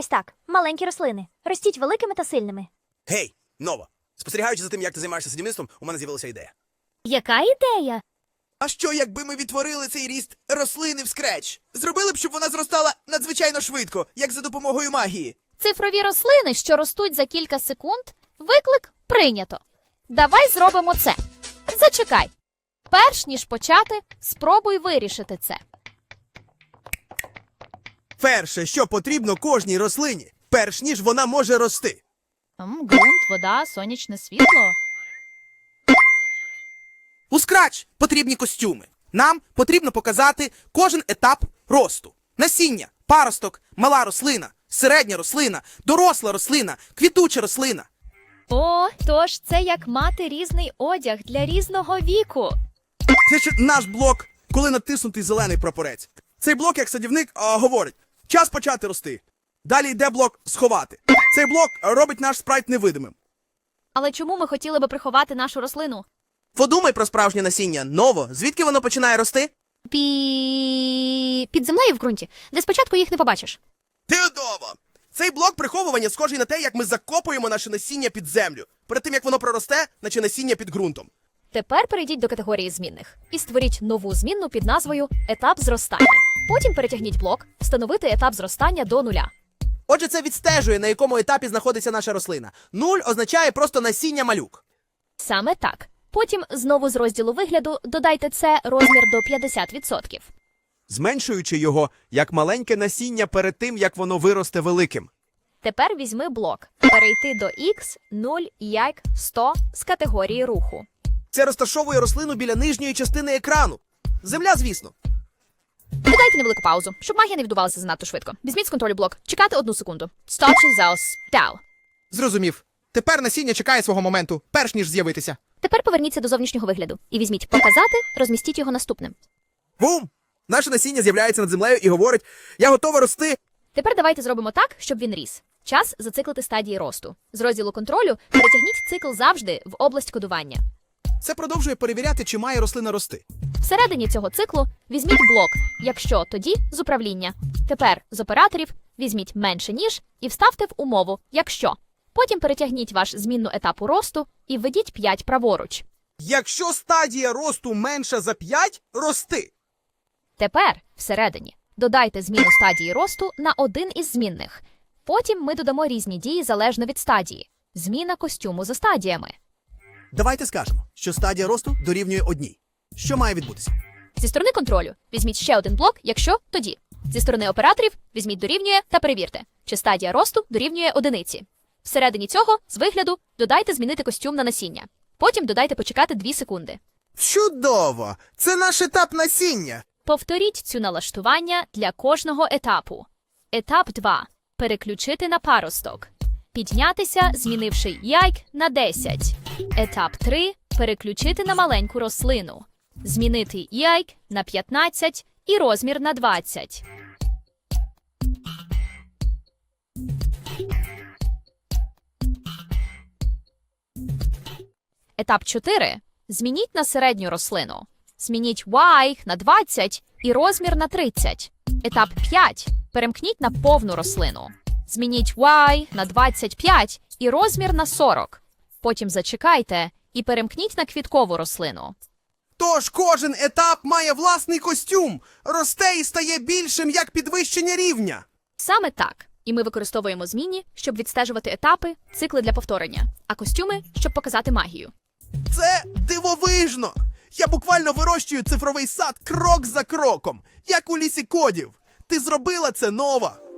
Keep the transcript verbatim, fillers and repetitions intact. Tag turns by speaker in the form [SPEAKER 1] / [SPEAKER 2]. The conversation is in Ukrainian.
[SPEAKER 1] Ось так, маленькі рослини. Ростіть великими та сильними.
[SPEAKER 2] Гей, Нова! Спостерігаючи за тим, як ти займаєшся садівництвом, у мене з'явилася ідея.
[SPEAKER 1] Яка ідея?
[SPEAKER 2] А що, якби ми відтворили цей ріст рослини в скреч? Зробили б, щоб вона зростала надзвичайно швидко, як за допомогою магії.
[SPEAKER 3] Цифрові рослини, що ростуть за кілька секунд, виклик прийнято. Давай зробимо це. Зачекай. Перш ніж почати, спробуй вирішити це.
[SPEAKER 2] Перше, що потрібно кожній рослині, перш ніж вона може рости.
[SPEAKER 3] М, ґрунт, вода, сонячне світло.
[SPEAKER 4] У Scratch потрібні костюми. Нам потрібно показати кожен етап росту. Насіння, паросток, мала рослина, середня рослина, доросла рослина, квітуча рослина.
[SPEAKER 3] О, тож це як мати різний одяг для різного віку.
[SPEAKER 2] Це ще наш блок, коли натиснутий зелений прапорець. Цей блок, як садівник, а, говорить, час почати рости. Далі йде блок сховати. Цей блок робить наш спрайт невидимим.
[SPEAKER 3] Але чому ми хотіли би приховати нашу рослину?
[SPEAKER 4] Подумай про справжнє насіння. Ново, звідки воно починає рости?
[SPEAKER 3] Пі... Під землею в ґрунті, де спочатку їх не побачиш.
[SPEAKER 2] Теодово! Цей блок приховування схожий на те, як ми закопуємо наше насіння під землю, перед тим, як воно проросте, наче насіння під ґрунтом.
[SPEAKER 3] Тепер перейдіть до категорії змінних і створіть нову змінну під назвою «Етап зростання». Потім перетягніть блок «Встановити етап зростання до нуля».
[SPEAKER 4] Отже, це відстежує, на якому етапі знаходиться наша рослина. Нуль означає просто насіння малюк.
[SPEAKER 3] Саме так. Потім знову з розділу вигляду додайте це розмір до п'ятдесят відсотків.
[SPEAKER 2] Зменшуючи його, як маленьке насіння перед тим, як воно виросте великим.
[SPEAKER 3] Тепер візьми блок «Перейти до X, нуль, як, сто» з категорії руху.
[SPEAKER 4] Це розташовує рослину біля нижньої частини екрану. Земля, звісно.
[SPEAKER 3] Додайте невелику паузу, щоб магія не відбувалася занадто швидко. Візьміть з контролю блок. Чекати одну секунду. Stop zaus. Down.
[SPEAKER 4] Зрозумів. Тепер насіння чекає свого моменту, перш ніж з'явитися.
[SPEAKER 3] Тепер поверніться до зовнішнього вигляду і візьміть «Показати», розмістіть його наступним.
[SPEAKER 2] Бум! Наше насіння з'являється над землею і говорить, я готова рости.
[SPEAKER 3] Тепер давайте зробимо так, щоб він ріс. Час зациклити стадії росту. З розділу контролю перетягніть цикл завжди в область кодування.
[SPEAKER 4] Це продовжує перевіряти, чи має рослина рости.
[SPEAKER 3] Всередині цього циклу візьміть блок, якщо тоді з управління. Тепер з операторів візьміть менше ніж і вставте в умову, якщо. Потім перетягніть ваш змінну етапу росту і введіть п'ять праворуч.
[SPEAKER 4] Якщо стадія росту менша за п'ять, рости.
[SPEAKER 3] Тепер всередині додайте зміну стадії росту на один із змінних. Потім ми додамо різні дії залежно від стадії. Зміна костюму за стадіями.
[SPEAKER 2] Давайте скажемо, що стадія росту дорівнює одній. Що має відбутися?
[SPEAKER 3] Зі сторони контролю візьміть ще один блок, якщо тоді. Зі сторони операторів візьміть дорівнює та перевірте, чи стадія росту дорівнює одиниці. Всередині цього, з вигляду, додайте змінити костюм на насіння. Потім додайте почекати дві секунди.
[SPEAKER 4] Чудово! Це наш етап насіння.
[SPEAKER 3] Повторіть цю налаштування для кожного етапу. Етап два. Переключити на паросток. Піднятися, змінивши яйк на десять. Етап три. Переключити на маленьку рослину. Змінити яйк на п'ятнадцять і розмір на двадцять. Етап чотири. Змініть на середню рослину. Змініть Y на двадцять і розмір на тридцять. Етап п'ять. Перемкніть на повну рослину. Змініть Y на двадцять п'ять і розмір на сорок. Потім зачекайте і перемкніть на квіткову рослину.
[SPEAKER 4] Тож кожен етап має власний костюм. Росте і стає більшим, як підвищення рівня.
[SPEAKER 3] Саме так. І ми використовуємо змінні, щоб відстежувати етапи, цикли для повторення, а костюми, щоб показати магію.
[SPEAKER 4] Це дивовижно! Я буквально вирощую цифровий сад крок за кроком, як у лісі кодів. Ти зробила це, Нова!